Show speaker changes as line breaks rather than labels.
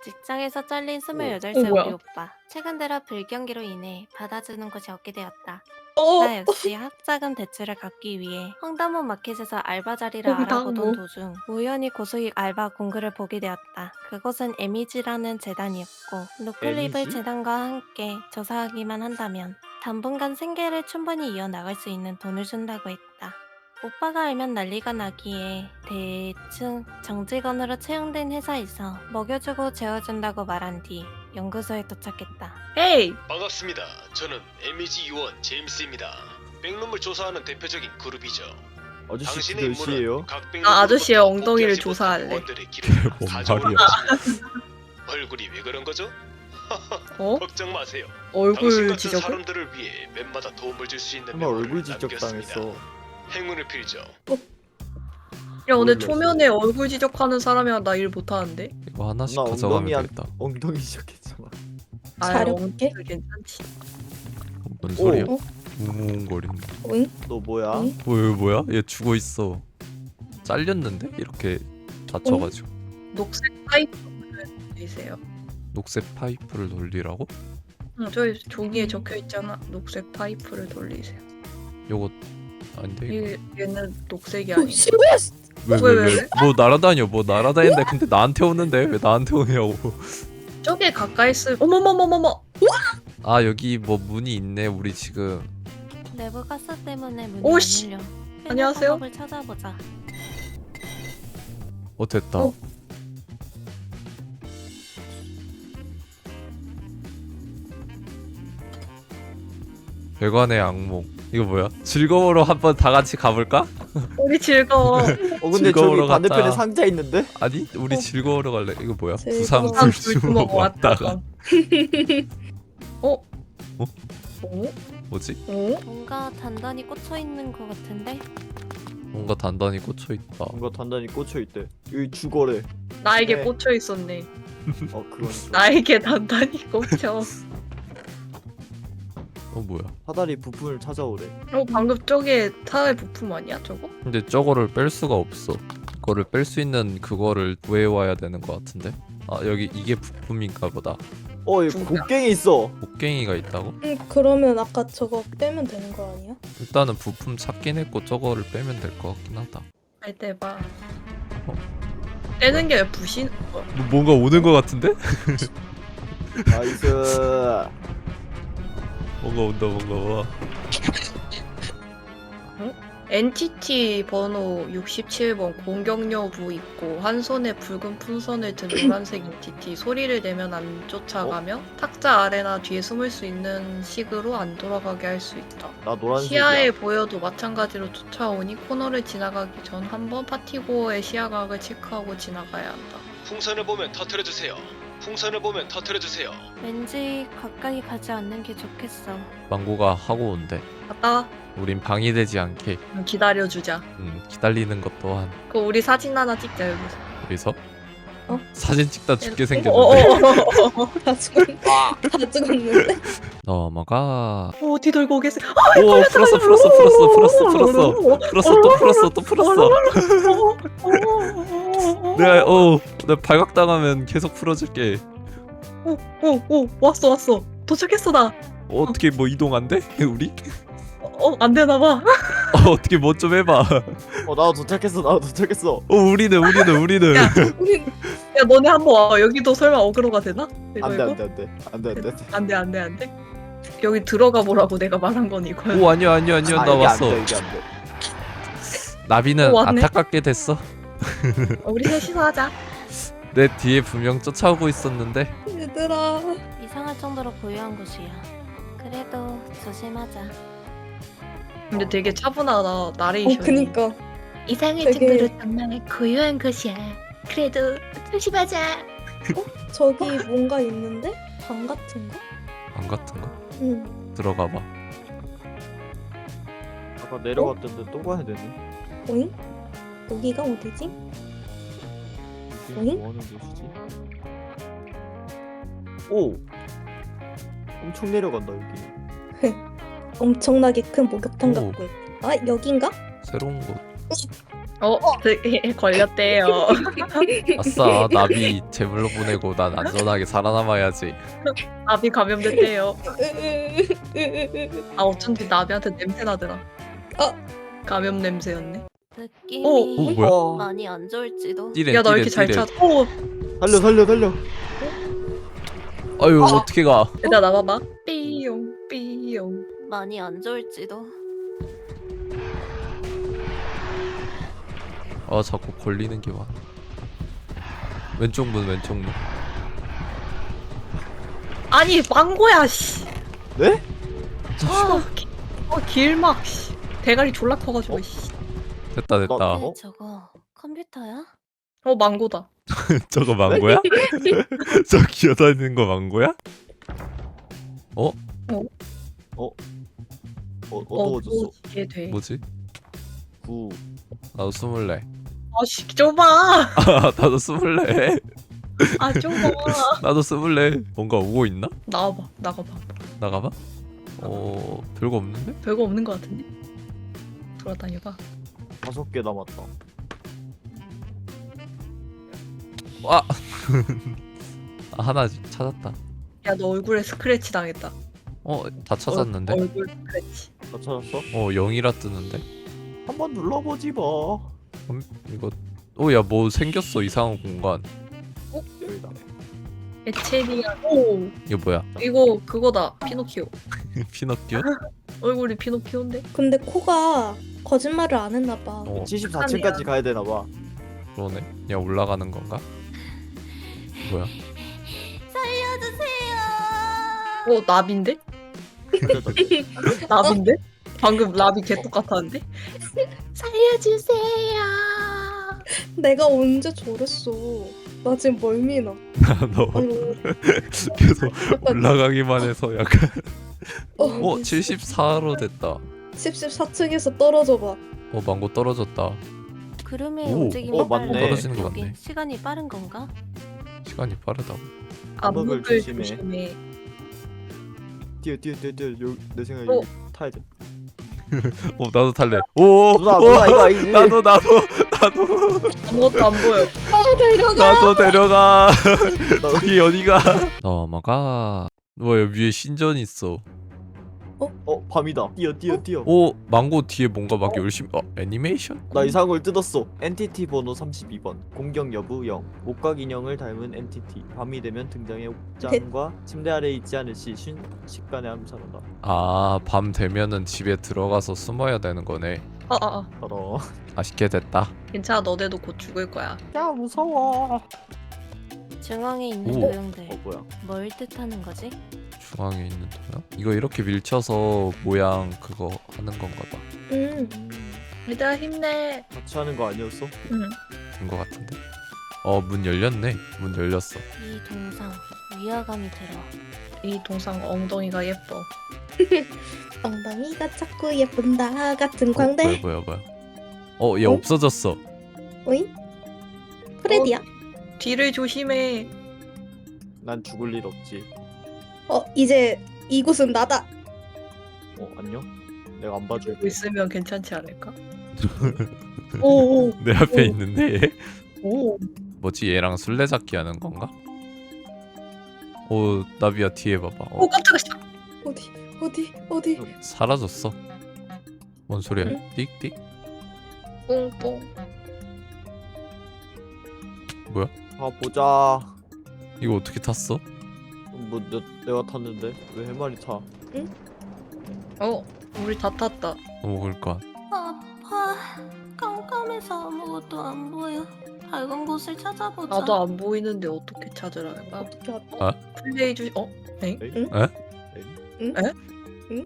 직장에서 잘린
어,
28살
뭐야?
우리 오빠. 최근 들어 불경기로 인해 받아주는 곳이 없게 되었다.
어,
나 역시 학자금 대출을 갚기 위해 횡단보 마켓에서 알바 자리를 알아보던
횡단보.
도중 우연히 고수익 알바 공고를 보게 되었다. 그곳은 에미지라는 재단이었고 노클립을
에미지?
재단과 함께 조사하기만 한다면 당분간 생계를 충분히 이어나갈 수 있는 돈을 준다고 했다. 오빠가 알면 난리가 나기에 대충 정직원으로 채용된 회사에서 먹여주고 재워준다고 말한 뒤 연구소에 도착했다.
에이,
반갑습니다. 저는 MEG 요원 제임스입니다. 백룸을 조사하는 대표적인 그룹이죠.
아저씨
당신의
몇 시에요?
임무는 각 백룸
나 아저씨의
로부터
엉덩이를
복귀하지 못한
조사할래.
요원들의 기록을
뭔
사정으로
말이야.
남깁니다. 얼굴이 왜 그런 거죠?
어?
걱정 마세요. 당신
얼굴
같은
지적을?
사람들을 위해 웬마다 도움을 줄 수 있는
정말
명함을
얼굴 지적
남겼습니다.
당했어.
행운을 빌죠.
야, 근데
몰랐어.
초면에 얼굴 지적하는 사람이랑 나 일 못하는데?
이거 하나씩
나
가져가면
엉덩이야.
되겠다.
엉덩이 지적했잖아.
자력게?
엉덩이 괜찮지.
뭔 소리야?
어?
웅웅거리는.
오잉?
너 뭐야?
응?
뭐야? 얘 죽어 있어. 잘렸는데? 이렇게 다쳐가지고.
녹색 파이프를 돌리세요.
녹색 파이프를 돌리라고?
응, 저기 종이에 적혀 있잖아. 녹색 파이프를 돌리세요.
요거 아닌데 이거.
얘는 녹색이
어,
아니야.
씨발!
왜?
뭐 날아다녀? 뭐 날아다니는데 근데 나한테 오는데 왜 나한테 오냐고.
저게 가까이 쓰. 어머머머머머.
아 여기 뭐 문이 있네. 우리 지금
내부 가스 때문에 문이
오씨.
안 열려.
안녕하세요?
방법을 찾아보자.
됐다.
어.
배관의 악몽. 이거 뭐야? 즐거우러 한번 다 같이 가볼까?
우리 즐거워.
근데
즐거우러
저기 반대편에
갔다.
상자 있는데?
아니 우리 즐거우러 갈래. 이거 뭐야?
즐거워.
부산
불
불주먹 왔다가
어?
어?
어?
뭐지?
어?
뭔가 단단히 꽂혀 있는 것 같은데?
뭔가 단단히 꽂혀 있다.
뭔가 단단히 꽂혀 있대. 여기 주거래.
나에게
네.
꽂혀 있었네.
그건 좀.
나에게 단단히 꽂혀.
뭐야?
사다리 부품을 찾아오래.
방금 저게 타의 부품 아니야 저거?
근데 저거를 뺄 수가 없어. 그거를 뺄 수 있는 그거를 구해와야 되는 것 같은데. 아 여기 이게 부품인가 보다.
여기
누구야?
곡괭이 있어.
곡괭이가 있다고?
응, 그러면 아까 저거 빼면 되는 거 아니야?
일단은 부품 찾긴 했고 저거를 빼면 될 것 같긴 하다.
할 때 봐.
어.
떼는 게 부신?
뭔가 오는 것 같은데?
나이스.
뭔가 와.
NTT 번호 67번 공격 여부 있고 한 손에 붉은 풍선을 든 노란색 NTT 소리를 내면 안 쫓아가며 탁자 아래나 뒤에 숨을 수 있는 식으로 안 돌아가게 할 수 있다.
나 노란색이야.
시야에 보여도 마찬가지로 쫓아오니 코너를 지나가기 전 한번 파티고어의 시야각을 체크하고 지나가야 한다.
풍선을 보면 터뜨려 주세요. 풍선을 보면 터뜨려 주세요.
왠지 가까이 가지 않는 게 좋겠어.
망고가 하고 온대.
갔다 와.
우린 방해되지 않게
기다려주자.
기다리는 것 또한.
그 우리 사진 하나 찍자 여기서.
여기서
어?
사진 찍다 죽게 생겼는데.
다 죽었는데?
넘어가.
어디 들고 계세요?
오 풀었어 또 풀었어. 내가 발각당하면 계속 풀어줄게.
오 왔어 도착했어 나.
어떻게 뭐 이동 안 돼? 우리?
안 되나 봐.
어떻게 뭐 좀 해봐.
나도 도착했어.
우리는.
야.
우리
야 너네 한번 와. 여기도 설마 어그로가 되나? 이거, 이거? 안돼. 여기 들어가 보라고 내가 말한 건 이거야.
오 아니야 나
이게
왔어.
이게 안 돼.
나비는
왔네.
안타깝게 됐어.
우리 셋이서 하자.
내 뒤에 분명 쫓아오고 있었는데.
얘들아.
이상할 정도로 고요한 곳이야. 그래도 조심하자.
근데 되게 차분하다 나레이션이.
그니까.
이상할
되게-
정도로 정말 고요한 곳이야. 그래도 조심하자.
저기 뭔가 있는데? 방 같은 거?
방 같은 거?
응.
들어가 봐.
아까 내려갔던데 또 가야 되네.
오잉? 여기가 어디지?
이게
어잉?
뭐 하는 곳이지? 오! 엄청 내려간다 여기.
엄청나게 큰 목욕탕
오.
같고. 아, 여긴가?
새로운 곳.
걸렸대요.
아싸 나비 제물로 보내고 난 안전하게 살아남아야지.
나비 감염됐대요. 아 어쩐지 나비한테 냄새 나더라. 감염 냄새였네.
느낌이
오 뭐야?
많이 안 좋을지도.
띠렌
야 나 왜
띠렌
이렇게 잘
띠렌.
찾아? 오,
달려.
아유 어떻게 가?
일단 나봐봐. 삐용 삐용.
많이 안 좋을지도.
아 자꾸 걸리는 게 많아. 왼쪽 문.
아니 망고야 씨.
네?
길막 씨. 대가리 졸라 커가지고 씨.
됐다.
근데
어?
저거 컴퓨터야?
망고다.
저거 망고야? 저 기어다니는 거 망고야?
어두워졌어.
이게 돼.
뭐지?
9.
나도 24.
아씨 좁아.
나도 24.
아 좁아.
나도 24. 뭔가 오고 있나?
나와봐. 나가봐.
나가봐? 별거 없는데?
별거 없는 것 같은데. 돌아다녀봐.
5개 남았다.
와! 아, 하나 찾았다.
야 너 얼굴에 스크래치 당했다.
다 찾았는데?
얼굴 스크래치.
나 찾았어?
0이라 뜨는데?
한번 눌러보지 뭐.
이거 야 뭐 생겼어 이상한 공간.
여기다.
에체리아. 오
이거 뭐야?
이거 그거다. 피노키오.
피노키오?
얼굴이 피노키오인데?
근데 코가 거짓말을 안 했나 봐.
74층까지 가야 되나 봐.
그러네. 야 올라가는 건가? 뭐야?
살려주세요.
나비인데? 나비인데? 방금 나비 개똑같았는데? 살려주세요.
내가 언제 저랬어? 나 지금 멀미나.
너
아유,
계속 올라가기만 해서 약간 74로
74로
됐다.
14층에서 떨어져 봐.
망고 떨어졌다.
구름의
오,
움직임이
맞네.
빨라.
떨어지는 거
여기
맞네.
시간이 빠른 건가?
시간이 빠르다고.
암흑을
조심해.
조심해.
뛰어. 내 생각에
어.
여기 타야 돼.
나도 탈래. 오!
누나 이거 아니지?
나도
아무것도 안 보여.
나도 데려가.
나
여기 어디가? 넘어가. 뭐야 위에 신전 있어.
밤이다. 뛰어.
망고 뒤에 뭔가 막 열심히 애니메이션?
나 이상한 걸 뜯었어. 엔티티 번호 32번. 공격 여부 0. 목각 인형을 닮은 엔티티. 밤이 되면 등장해 옥장과 침대 아래 있지 않을 시 순식간에 암살한다.
밤 되면은 집에 들어가서 숨어야 되는 거네.
더러.
맛있게 됐다.
괜찮아 너네도 곧 죽을 거야.
야 무서워.
중앙에 있는
오.
도형들
뭐야?
뭘 뜻하는 거지?
중앙에 있는 도요? 이거 이렇게 밀쳐서 모양 그거 하는 건가 봐.
얘들아 힘내.
같이 하는 거 아니었어?
응.
된 거 같은데. 문 열렸네. 문 열렸어.
이 동상 위화감이 들어.
이 동상 엉덩이가 예뻐.
엉덩이가 자꾸 예쁜다 같은 광대.
뭐야. 얘
어?
없어졌어.
오잉? 프레디야?
뒤를 조심해.
난 죽을 일 없지.
이제 이곳은 나다.
안녕? 내가 안 봐줄게.
보고 있으면 괜찮지 않을까? 오.
내 앞에
오.
있는데 얘?
오.
뭐지 얘랑 술래잡기 하는 건가? 나비야 뒤에 봐봐.
오 깜짝이야.
어디?
사라졌어. 뭔 소리야?
응?
띡띡?
뽕뽕.
뭐야?
보자.
이거 어떻게 탔어?
내가 탔는데 왜 해마리 타?
우리 다 탔다.
먹을 거.
아파. 깜깜해서 아무것도 안 보여. 밝은 곳을 찾아보자.
나도 안 보이는데 어떻게 찾으라는 거야?
어떻게 알아?
아?
플레이 주. 엥?
엥?
에?
엥?